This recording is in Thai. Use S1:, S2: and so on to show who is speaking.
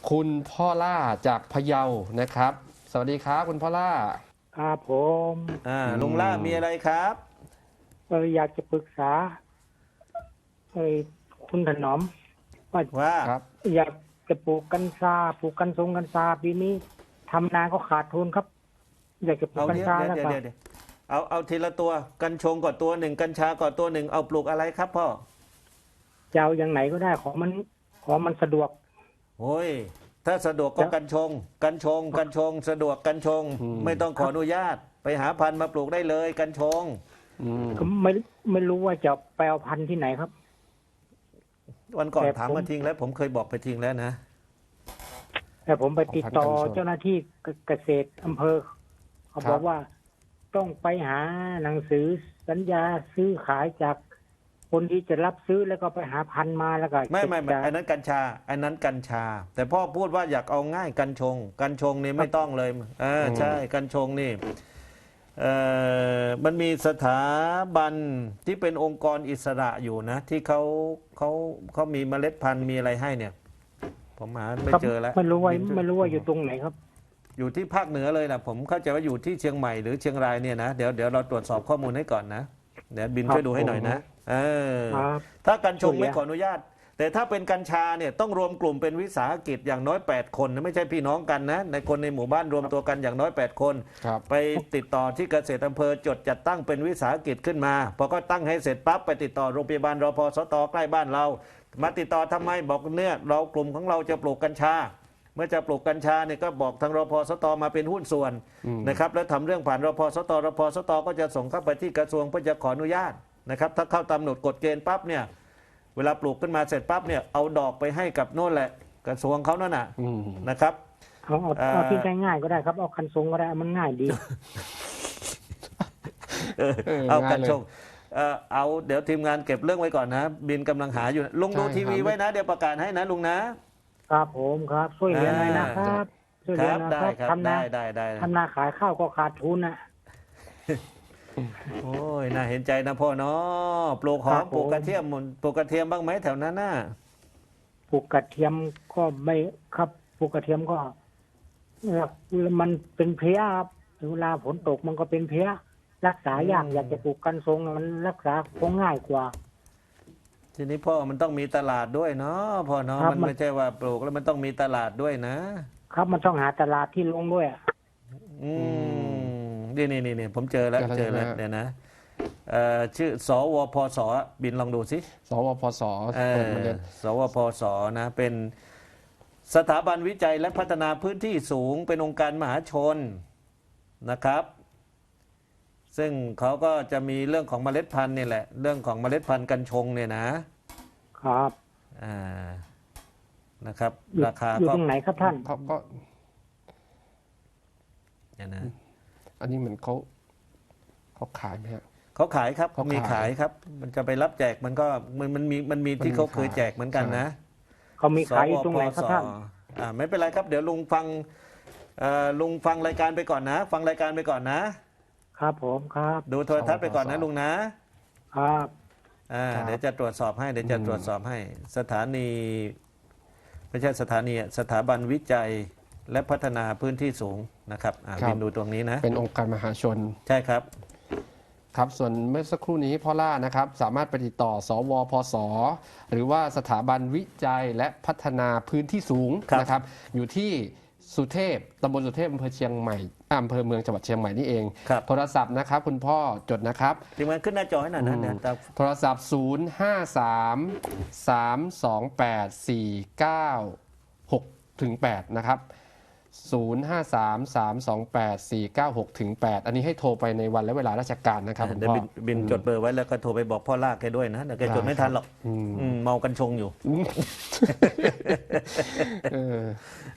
S1: คุณพ่อล่าจากพะเยานะครับสวัสดีครับคุณพ่อล่า
S2: ครับผม
S3: ลุงล่ามีอะไรครับ
S2: อยากจะปรึกษาเอ้ยคุณถนอมว่า
S3: ว่า
S1: ครับ
S2: อยากจะปลูกกัญชาปลูกกัญชงกัญชาปีนี้ทำนาก็ขาดทุนครับ อยากจะปลูก
S3: เอา
S2: กัญชาแล้วก็
S3: เดี๋ยวเอาทีละตัวกัญชงก่อนตัวหนึ่งกัญชาก่อนตัวหนึ่งเอาปลูกอะไรครับพ่อ
S2: จะเอาอย่างไหนก็ได้ของมันสะดวก
S3: โอ้ยถ้าสะดวกก็กัญชงสะดวกกัญชงไม่ต้องขออนุญาตไปหาพันธุ์มาปลูกได้เลยกัญชง
S2: ก็ไม่รู้ว่าจะไปเอาพันธุ์ที่ไหนครับ
S3: วันก่อน
S2: แต่
S3: ถามมาทิ้งแล้วผมเคยบอกไปทิ้งแล้วนะ
S2: แต่ผมไปติดต่อเจ้าหน้าที่เกษตรอำเภอเขาบอกว่าต้องไปหาหนังสือสัญญาซื้อขายจากคนที่จะรับซื้อแล้วก็ไปหาพันธุ์มาแล้วก็
S3: ไม่อันนั้นกัญชาแต่พ่อพูดว่าอยากเอาง่ายกัญชงนี่ไม่ต้องเลยใช่กัญชงนี่มันมีสถาบันที่เป็นองค์กรอิสระอยู่นะที่เขามีเมล็ดพันธุ์มีอะไรให้เนี่ยผมหาไม่เจอแล้ว
S2: ไม่รู้ว่าอยู่ตรงไหนครับ
S3: อยู่ที่ภาคเหนือเลยนะผมเข้าใจว่าอยู่ที่เชียงใหม่หรือเชียงรายเนี่ยนะเดี๋ยวเราตรวจสอบข้อมูลให้ก่อนนะเดี๋ยวบินช่วยดูให้หน่อยนะถ้ากัญชงไม่ขออนุญาตแต่ถ้าเป็นกัญชาเนี่ยต้องรวมกลุ่มเป็นวิสาหกิจอย่างน้อย8คนไม่ใช่พี่น้องกันนะในคนในหมู่บ้านรวมตัวกันอย่างน้อย8คนไปติดต่อที่เกษตรอำเภอจดจัดตั้งเป็นวิสาหกิจขึ้นมาพอก็ตั้งให้เสร็จปั๊บไปติดต่อโรงพยาบาลรพสตใกล้บ้านเรามาติดต่อทำไมบอกเนี่ยเรากลุ่มของเราจะปลูกกัญชาเมื่อจะปลูกกัญชาเนี่ยก็บอกทางรพสตมาเป็นหุ้นส่วนนะครับแล้วทำเรื่องผ่านรพสตก็จะส่งเข้าไปที่กระทรวงเพื่อจะขออนุญาตนะครับถ้าเข้าตามกำหนดกฎเกณฑ์ปั๊บเนี่ยเวลาปลูกขึ้นมาเสร็จปั๊บเนี่ยเอาดอกไปให้กับโน่นแหละกระทรวงเขานั่นน่ะนะครับ
S2: เอาที่ง่ายๆก็ได้ครับเอาคันทรงก็ได้มันง่ายดี
S3: เอากัญชงเอาเดี๋ยวทีมงานเก็บเรื่องไว้ก่อนนะบินกำลังหาอยู่ลุงดูทีวีไว้นะเดี๋ยวประกาศให้นะลุงนะครับ
S2: ผมครับช่วยเหลือหน่อยนะครับช่วยเหลือนะครับทำนาขายข้าวก็ขาดทุนนะ
S3: โอ้ยน่าเห็นใจนะพ่อเนาะปลูกหอมปลูกกระเทียมปลูกกระเทียมบ้างไหมแถวนั้นน่ะ
S2: ปลูกกระเทียมก็ไม่ครับปลูกกระเทียมก็มันเป็นเพลี้ยครับเวลาฝนตกมันก็เป็นเพลี้ยรักษายากอยากจะปลูกกัญชงมันรักษาคงง่ายกว่า
S3: ทีนี้พ่อมันต้องมีตลาดด้วยเนาะพ่อเนาะมันไม่ใช่ว่าปลูกแล้วมันต้องมีตลาดด้วยนะครับ
S2: มันต้องหาตลาดที่ลงด้วย
S3: นี่ผมเจอแล้วเนี่ยนะชื่อสวพสบินลองดูสิ
S1: สวพส
S3: สวพสนะเป็นสถาบันวิจัยและพัฒนาพื้นที่สูงเป็นองค์การมหาชนนะครับซึ่งเขาก็จะมีเรื่องของเมล็ดพันธุ์นี่แหละเรื่องของเมล็ดพันธุ์กัญชงเนี่ย
S2: นะครับ
S3: นะครับราคา
S2: อยู่ตรงไหนครับท่าน
S1: ก็
S3: เนี่ยนะ
S1: อันนี้เหมือนเขาขายไหมฮะ
S3: เขาขายครับมีขายครับมันจะไปรับแจกมันก็มันมีที่เขาเคยแจกเหมือนกันนะ
S2: เขามีขายอยู่ตรงไหนครับท่าน
S3: ไม่เป็นไรครับเดี๋ยวลุงฟังรายการไปก่อนนะฟังรายการไปก่อนนะครับ
S2: ผมครับ
S3: ดูโทรทัศน์ไปก่อนนะลุงนะครับเดี๋ยวจะตรวจสอบให้สถานีไม่ใช่สถานีสถาบันวิจัยและพัฒนาพื้นที่สูงนะครับบินดูตรงนี้นะ
S1: เป็นองค์การมหาชน
S3: ใช่ครับ
S1: ครับส่วนเมื่อสักครู่นี้พ่อล่านะครับสามารถไปติดต่อสวพสหรือว่าสถาบันวิจัยและพัฒนาพื้นที่สูงนะครับอยู่ที่สุเทพตำบลสุเทพอำเภอเชียงใหม่อำเภอเมืองจังหวัดเชียงใหม่นี่เองโทรศัพท์นะครับคุณพ่อจดนะครับ
S3: ทีมงานขึ้นหน้าจอให้หน่อยนะเนี่ย
S1: โทรศัพท์053-328-496-8นะครับ053-328-496-8อันนี้ให้โทรไปในวันและเวลาราชการนะครับคุณพ่อ
S3: บินจดเบอร์ไว้แล้วก็โทรไปบอกพ่อลากแกด้วยนะเดี๋ยวแกจดไม่ทันหรอกเมากันชงอยู่